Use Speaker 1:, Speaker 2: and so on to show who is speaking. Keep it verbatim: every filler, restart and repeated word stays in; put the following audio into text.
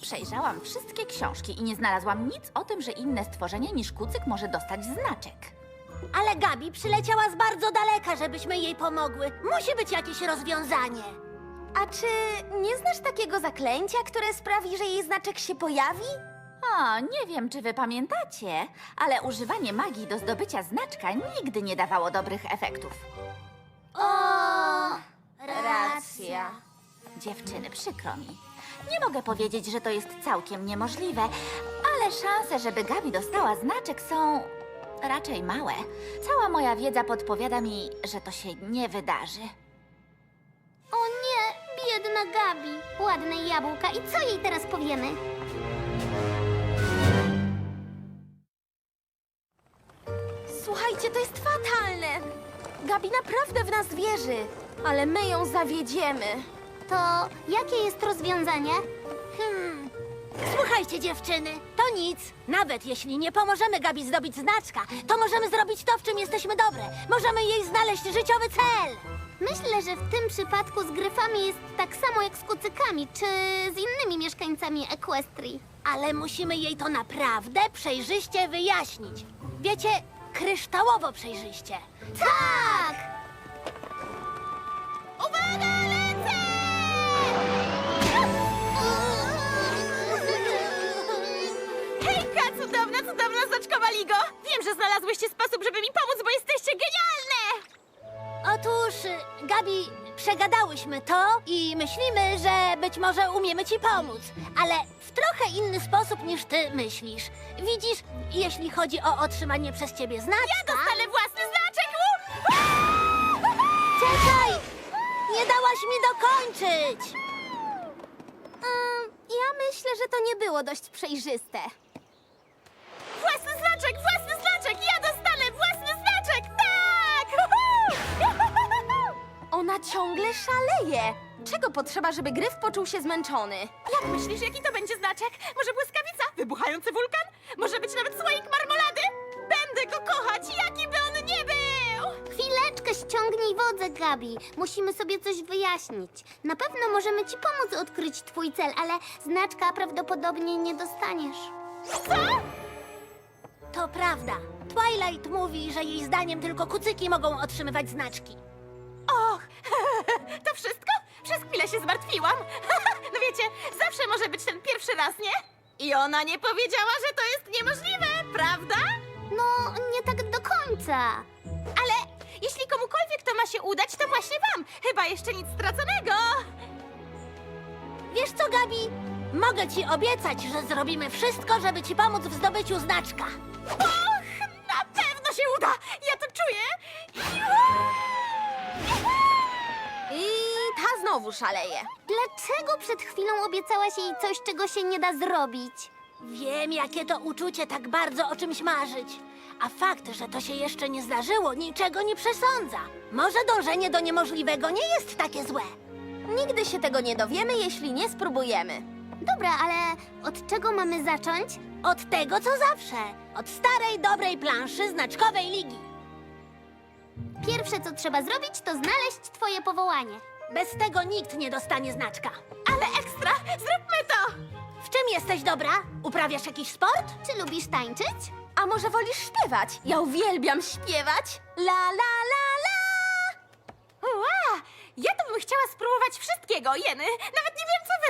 Speaker 1: Przejrzałam wszystkie książki i nie znalazłam nic o tym, że inne stworzenie niż kucyk może dostać znaczek.
Speaker 2: Ale Gabi przyleciała z bardzo daleka, żebyśmy jej pomogły. Musi być jakieś rozwiązanie.
Speaker 3: A czy nie znasz takiego zaklęcia, które sprawi, że jej znaczek się pojawi?
Speaker 1: O, nie wiem, czy wy pamiętacie, ale używanie magii do zdobycia znaczka nigdy nie dawało dobrych efektów.
Speaker 2: O,
Speaker 3: racja.
Speaker 1: Dziewczyny, przykro mi. Nie mogę powiedzieć, że to jest całkiem niemożliwe, ale szanse, żeby Gabi dostała znaczek są raczej małe. Cała moja wiedza podpowiada mi, że to się nie wydarzy.
Speaker 4: O nie, biedna Gabi. Ładne jabłka. I co jej teraz powiemy?
Speaker 3: Słuchajcie, to jest fatalne. Gabi naprawdę w nas wierzy, ale my ją zawiedziemy.
Speaker 4: To jakie jest rozwiązanie?
Speaker 2: Hmm. Słuchajcie, dziewczyny, to nic. Nawet jeśli nie pomożemy Gabi zdobyć znaczka, to możemy zrobić to, w czym jesteśmy dobre. Możemy jej znaleźć życiowy cel.
Speaker 4: Myślę, że w tym przypadku z gryfami jest tak samo jak z kucykami, czy z innymi mieszkańcami Equestrii.
Speaker 2: Ale musimy jej to naprawdę przejrzyście wyjaśnić. Wiecie, kryształowo przejrzyście.
Speaker 4: Tak!
Speaker 2: Uwaga, lecę!
Speaker 3: Hejka, cudowna, cudowna znaczkowa ligo! Wiem, że znalazłyście sposób, żeby mi pomóc, bo jesteście genialne!
Speaker 2: Otóż, Gabi, przegadałyśmy to i myślimy, że być może umiemy ci pomóc, ale w trochę inny sposób niż ty myślisz. Widzisz, jeśli chodzi o otrzymanie przez ciebie znaczka... Ja
Speaker 3: dostanę własny znaczek!
Speaker 2: Czekaj! Nie dałaś mi dokończyć!
Speaker 3: Um, ja myślę, że to nie było dość przejrzyste. Własny znaczek, własny znaczek! Ja dostanę własny znaczek! Tak! Ona ciągle szaleje. Czego potrzeba, żeby Gryf poczuł się zmęczony? Jak myślisz, jaki to będzie znaczek? Może błyskawica? Wybuchający wulkan? Może być nawet słoik marmolady? Będę go kochać, jaki by on nie był!
Speaker 4: Chwileczkę, ściągnij wodę, Gabi. Musimy sobie coś wyjaśnić. Na pewno możemy ci pomóc odkryć twój cel, ale znaczka prawdopodobnie nie dostaniesz.
Speaker 2: To prawda. Twilight mówi, że jej zdaniem tylko kucyki mogą otrzymywać znaczki.
Speaker 3: Och, to wszystko? Przez chwilę się zmartwiłam. No wiecie, zawsze może być ten pierwszy raz, nie? I ona nie powiedziała, że to jest niemożliwe, prawda?
Speaker 4: No, nie tak do końca.
Speaker 3: Ale jeśli komukolwiek to ma się udać, to właśnie wam. Chyba jeszcze nic straconego.
Speaker 2: Wiesz co, Gabi? Mogę ci obiecać, że zrobimy wszystko, żeby ci pomóc w zdobyciu znaczka.
Speaker 3: Och, na pewno się uda. Ja to czuję. I ta znowu szaleje.
Speaker 4: Dlaczego przed chwilą obiecałaś jej coś, czego się nie da zrobić?
Speaker 2: Wiem, jakie to uczucie tak bardzo o czymś marzyć. A fakt, że to się jeszcze nie zdarzyło, niczego nie przesądza. Może dążenie do niemożliwego nie jest takie złe.
Speaker 3: Nigdy się tego nie dowiemy, jeśli nie spróbujemy.
Speaker 4: Dobra, ale od czego mamy zacząć?
Speaker 2: Od tego, co zawsze. Od starej, dobrej planszy znaczkowej ligi.
Speaker 4: Pierwsze, co trzeba zrobić, to znaleźć twoje powołanie.
Speaker 2: Bez tego nikt nie dostanie znaczka.
Speaker 3: Ale ekstra, zróbmy to!
Speaker 2: W czym jesteś dobra? Uprawiasz jakiś sport?
Speaker 4: Czy lubisz tańczyć?
Speaker 3: A może wolisz śpiewać? Ja uwielbiam śpiewać. La la la la! Ła! Ja to bym chciała spróbować wszystkiego, Jeny. Nawet nie wiem, co